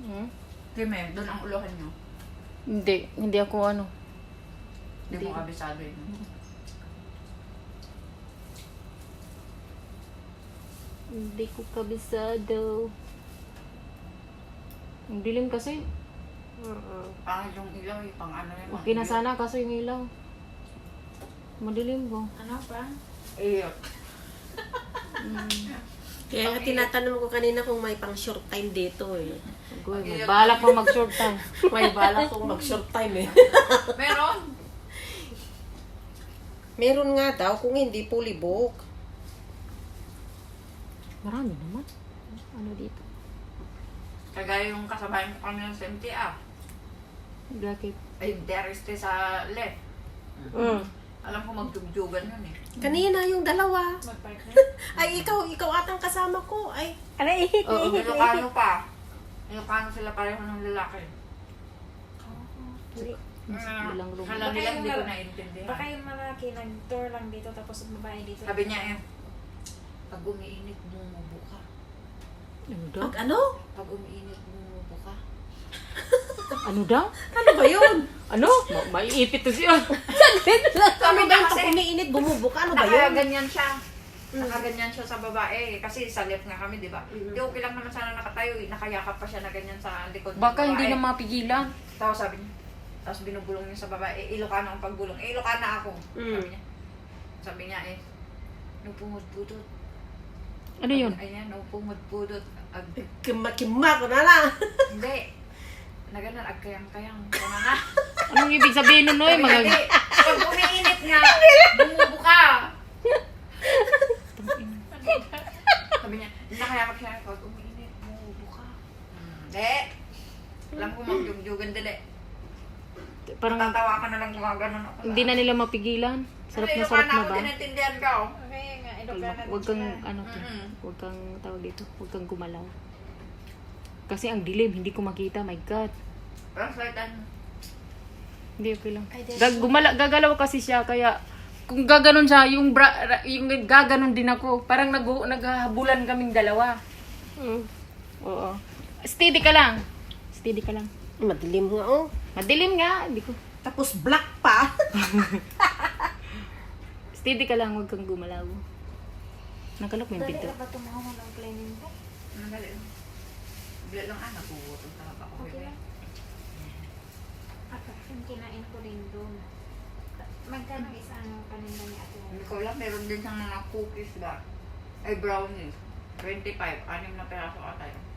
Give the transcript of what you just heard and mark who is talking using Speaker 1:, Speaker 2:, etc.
Speaker 1: Hmm?
Speaker 2: Kime, doon ang uluhan nyo.
Speaker 1: Hindi ako ano.
Speaker 2: Hindi mo kabisado yun.
Speaker 1: Hindi ko kabisado. Ang dilim kasi.
Speaker 2: Pangit yung ilaw, pang ano yun.
Speaker 1: Okay na sana kaso yung ilaw. Madilim ko.
Speaker 2: Ano pa? Iyo.
Speaker 3: Kaya nga tinatanong ko kanina kung may pang short time dito eh.
Speaker 1: May balak pa mag-short time.
Speaker 3: May balak kong mag short time eh.
Speaker 2: Meron.
Speaker 3: Meron nga daw kung hindi fully book.
Speaker 1: Marami naman. Ano dito?
Speaker 2: Kagaya yung kasabayan ko kami ng SMTA.
Speaker 1: Bakit?
Speaker 2: Ay, there is sa left. Alam ko magdugdugan yun eh.
Speaker 3: Kanina yung dalawa.
Speaker 2: Mag-park na?
Speaker 3: Ay, ikaw atang kasama ko. Ay,
Speaker 1: Oo.
Speaker 2: Ilocano pa. Ilocano sila pareho ng lalaki.
Speaker 1: Bilang room.
Speaker 2: Alam nila, hindi ko naiintindihan.
Speaker 4: Baka yung malaki nag-tour lang dito tapos yung babae dito.
Speaker 2: Sabi niya eh, pag umiinit, bumubo ka.
Speaker 1: Ano daw?
Speaker 3: pag ano?
Speaker 2: Pag umiinit, bumubo ka.
Speaker 1: Ano daw?
Speaker 3: Ano ba yun?
Speaker 1: Ano? Maiipit to siya.
Speaker 3: Ano ba yung
Speaker 2: kasi-
Speaker 3: pag umiinit, bumubuka? Ano ba yun?
Speaker 2: Nakaganyan siya. Nakaganyan siya sa babae. Kasi sa left nga kami, di ba? Di okay lang naman sana nakatayo eh. Nakayakap pa siya na ganyan sa likod ng
Speaker 1: Baka
Speaker 2: babae.
Speaker 1: hindi na mapigilan.
Speaker 2: Tapos sabi niya, tapos binubulong niya sa babae, Ilocano ang pagbulong. Ilocano ako. Sabi niya. Sabi niya eh, nupumudpudot.
Speaker 1: Ano yun?
Speaker 2: Ayan, nupumudpudot.
Speaker 3: Kima ko na lang.
Speaker 2: Hindi. Na ganun, agkayang-kayang. Kaya na.
Speaker 1: Anong ibig sabihin nun, Noy?
Speaker 2: Sabi niya,
Speaker 1: Mga...
Speaker 2: "Di, pag umiinit nga, bumubo ka. Sabi niya, nakayakap siya, pag umiinit, bumubo ka. Hindi. Alam ko magdugdugan dili.
Speaker 1: Parang
Speaker 2: Tatawa ka na lang gumaganon ako.
Speaker 1: hindi na nila mapigilan. Sarap na
Speaker 2: Ilocano
Speaker 1: sarap na
Speaker 2: ako,
Speaker 1: ba?
Speaker 2: tinatindihan ka oh.
Speaker 4: Okay nga, Ilocana
Speaker 1: Huwag
Speaker 4: din
Speaker 1: kang,
Speaker 4: sila.
Speaker 1: ano to,
Speaker 2: Mm-mm.
Speaker 1: huwag kang tawag dito, huwag kang gumalaw. Kasi ang dilim, hindi ko makita, my God.
Speaker 2: Translatean.
Speaker 1: Hindi, okay lang.
Speaker 4: Ay, there's
Speaker 1: Gagalaw kasi siya, kaya kung gaganon siya, yung gaganon din ako. Parang naghahabulan kaming dalawa. Oo. Steady ka lang. Steady ka lang.
Speaker 3: Madilim nga oh.
Speaker 1: Madilim nga, hindi ko.
Speaker 3: Tapos black pa.
Speaker 1: Steady ka lang, huwag kang gumalaw. Nakalok mo yung
Speaker 4: Dali
Speaker 1: pinto.
Speaker 4: ka ba tumawa ng planning ko?
Speaker 2: Ano galing? Bila lang anak ko, utong talaga ako.
Speaker 4: Okay lang. Ako, yung kinain ko din doon. Magkano isang paninda ni Ate
Speaker 2: Hindi
Speaker 4: Wong?
Speaker 2: ko alam, meron din siyang mga cookies ba? Ay, brownies. 25, 6 na peraso ata yun.